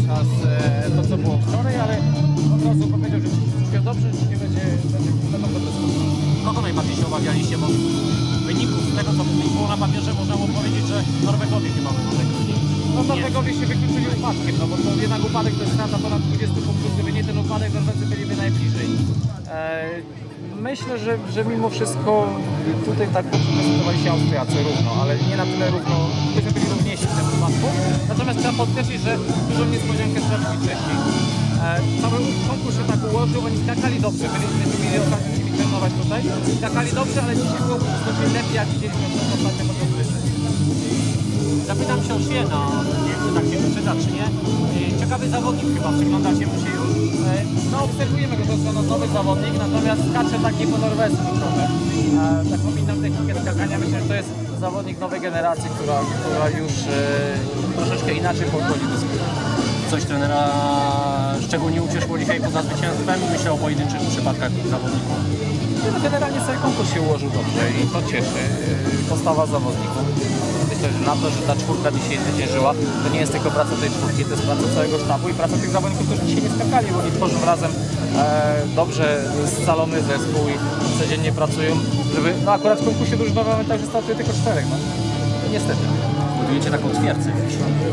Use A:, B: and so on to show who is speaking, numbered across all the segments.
A: nas to, co było wczoraj, ale od razu powiedział, że wszystko dobrze, że nie będą dobre spotkania.
B: Kogo najbardziej się obawialiście, bo w wyniku z tego, co było na papierze, można było powiedzieć, że Norwegowie chyba będą najgorzej.
A: No Norwegowie się wykluczyli upadkiem, no bo to jednak upadek to jest strata ponad 20 punktów, gdyby nie ten upadek, Norwedzy byliby najbliżej. Myślę, że mimo wszystko tutaj tak prezentowali się Austriacy równo, ale nie na tyle równo, byśmy byli równiejsi w tym wypadku. Natomiast trzeba podkreślić, że dużą niespodziankę stracili wcześniej. Cały konkurs się tak ułożył, oni skakali dobrze, byliśmy mieli okazję z nimi trenować tutaj. Skakali dobrze, ale dzisiaj było znacznie lepiej, jak widzieliśmy w ostatnim odcinku.
B: Zapytam się o Świena, nie wiem, czy tak się wyczyta, czy nie. Ciekawy zawodnik chyba, przyglądacie mu się już?
A: No obserwujemy go, to jest nowy zawodnik, natomiast skacze tak nie po norwesku trochę. Taką inną technikę skakania, myślę, że to jest zawodnik nowej generacji, która już troszeczkę inaczej podchodzi do skoku.
B: Coś trenera szczególnie ucieszyło dzisiaj poza zwycięstwem? Myślę o pojedynczych przypadkach zawodników.
A: No, generalnie cały konkurs się ułożył dobrze i to cieszy. Postawa zawodników. Myślę, że na to, że ta czwórka dzisiaj zwyciężyła, to nie jest tylko praca tej czwórki, to jest praca całego sztabu i praca tych zawodników, którzy dzisiaj nie skakali, bo oni tworzą razem dobrze scalony zespół i codziennie pracują, żeby, no akurat w konkursie drużynowym mamy także startuje tylko 4, no. Niestety.
B: Budujecie taką twierdzę w środku.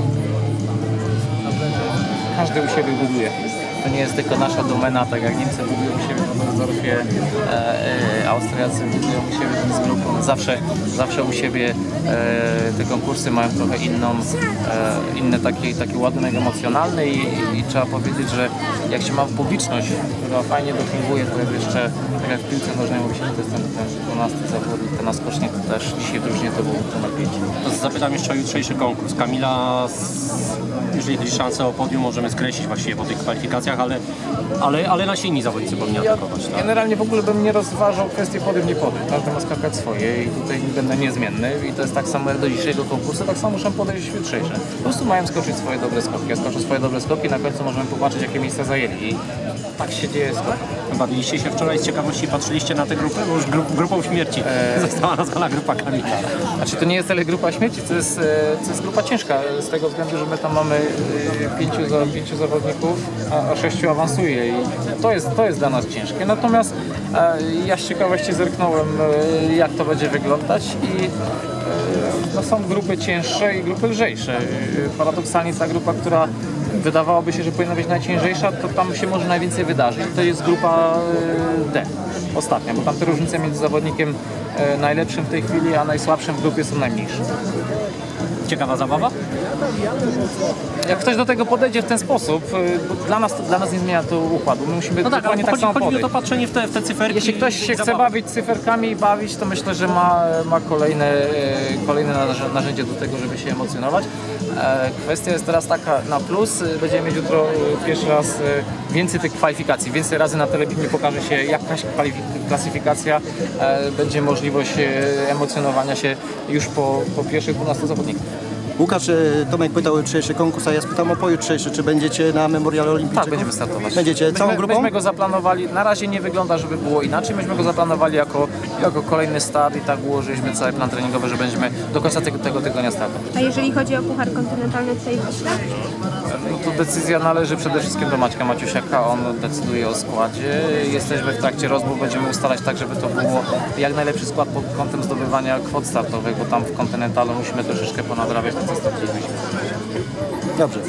A: Każdy u siebie buduje. To nie jest tylko nasza domena, tak jak Niemcy budują u siebie w Waldorfie, Austriacy budują u siebie z grupą. Zawsze u siebie te konkursy mają trochę inny taki ładunek emocjonalny i trzeba powiedzieć, że jak się ma publiczność, która fajnie dopinguje, to jeszcze tak jak w piłce nożnej mówi się, że to jest ten 12 zawodnik, ten naskocznik, to też dzisiaj w drużynie to był numer 5.
B: To zapytam jeszcze o jutrzejszy konkurs. Kamila, jeżeli chodzi o szansę o podium, możemy skreślić właściwie po tych kwalifikacjach, ale nasi inni zawodnicy powinni atakować. Tak?
A: Generalnie w ogóle bym nie rozważał kwestii podium, nie podium. Każdy ma skakać swoje i tutaj będę niezmienny i to jest tak samo jak do dzisiejszego konkursu, tak samo muszę podejść jutrzejsze. Po prostu mają skoczyć swoje dobre skoki. Ja skoczę swoje dobre skoki, na końcu możemy popatrzeć, jakie miejsca zajęli i tak się dzieje skok.
B: Bawiliście się wczoraj z ciekawości, patrzyliście na tę grupę, bo już grupą śmierci została nazwana grupa Kamila.
A: Znaczy to nie jest tyle grupa śmierci, to jest grupa ciężka z tego względu, że my tam mamy 5 zawodników, a 6 awansuje i to jest dla nas ciężkie. Natomiast ja z ciekawości zerknąłem, jak to będzie wyglądać i no, są grupy cięższe i grupy lżejsze. Paradoksalnie ta grupa, która wydawałoby się, że powinna być najciężejsza, to tam się może najwięcej wydarzyć. To jest grupa D, ostatnia, bo tam te różnice między zawodnikiem najlepszym w tej chwili, a najsłabszym w grupie są najmniejsze.
B: Ciekawa zabawa?
A: Jak ktoś do tego podejdzie w ten sposób, bo dla nas nie zmienia to układu. My musimy dokładnie tak samo
B: chodzi
A: podejść.
B: o to patrzenie w te cyferki.
A: Jeśli ktoś się chce bawić cyferkami i bawić, to myślę, że ma kolejne narzędzie do tego, żeby się emocjonować. Kwestia jest teraz taka na plus. Będziemy mieć jutro pierwszy raz więcej tych kwalifikacji. Więcej razy na telewidzji pokaże się jakaś klasyfikacja. Będzie możliwość emocjonowania się już po pierwszych 12 zawodnikach.
C: Łukasz, Tomek pytał o jutrzejszy konkurs, a ja spytam o pojutrzejszy. Czy będziecie na Memoriale Olimpijczyku?
A: Tak, będziemy startować.
C: Będziecie całą grupą?
A: Myśmy go zaplanowali, na razie nie wygląda, żeby było inaczej. Myśmy go zaplanowali jako kolejny start i tak ułożyliśmy cały plan treningowy, że będziemy do końca tego tygodnia startować.
D: A jeżeli chodzi o Puchar Kontynentalny tutaj w Wiśle?
A: No to decyzja należy przede wszystkim do Maćka Maciusiaka, on decyduje o składzie. Jesteśmy w trakcie rozmów, będziemy ustalać tak, żeby to było jak najlepszy skład pod kątem zdobywania kwot startowych, bo tam w Kontynentalu musimy troszeczkę ponadrabiać to, co straciliśmy.
C: Dobrze.